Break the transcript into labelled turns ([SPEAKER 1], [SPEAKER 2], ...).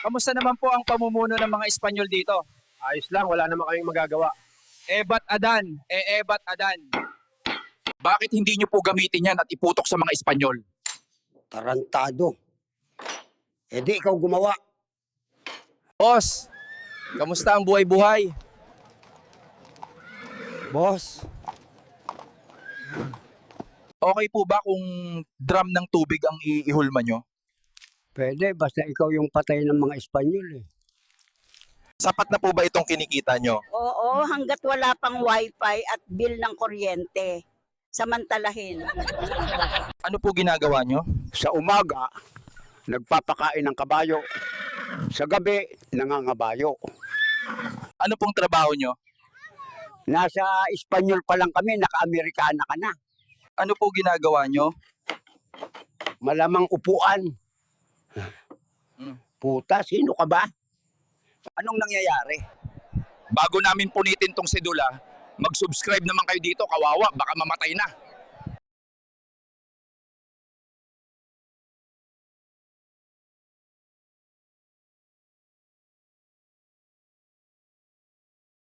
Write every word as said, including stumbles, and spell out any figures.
[SPEAKER 1] Kamusta naman po ang pamumuno ng mga Espanyol dito?
[SPEAKER 2] Ayos lang, wala naman kaming magagawa.
[SPEAKER 1] Ebat Adan, e Ebat Adan.
[SPEAKER 3] Bakit hindi nyo po gamitin yan at iputok sa mga Espanyol?
[SPEAKER 4] Tarantado. E di ikaw gumawa.
[SPEAKER 1] Boss, kamusta ang buhay-buhay?
[SPEAKER 4] Boss,
[SPEAKER 3] Okay po ba kung drum ng tubig ang iihulma nyo?
[SPEAKER 4] pwede basta ikaw yung patay ng mga Espanyol eh.
[SPEAKER 3] Sapat na po ba itong kinikita nyo?
[SPEAKER 5] Oo, hanggat wala pang wifi at bill ng kuryente. Samantalahin.
[SPEAKER 3] Ano po ginagawa nyo?
[SPEAKER 4] Sa umaga, nagpapakain ng kabayo. Sa gabi, nangangabayo.
[SPEAKER 3] Ano pong trabaho nyo?
[SPEAKER 4] Nasa Espanyol pa lang kami, naka-Amerikana ka na.
[SPEAKER 3] Ano po ginagawa nyo?
[SPEAKER 4] Malamang upuan.
[SPEAKER 3] Hmm.
[SPEAKER 4] Puta, sino ka ba?
[SPEAKER 3] Anong nangyayari? Bago namin punitin tong sedula, mag-subscribe naman kayo dito, kawawa, baka mamatay na.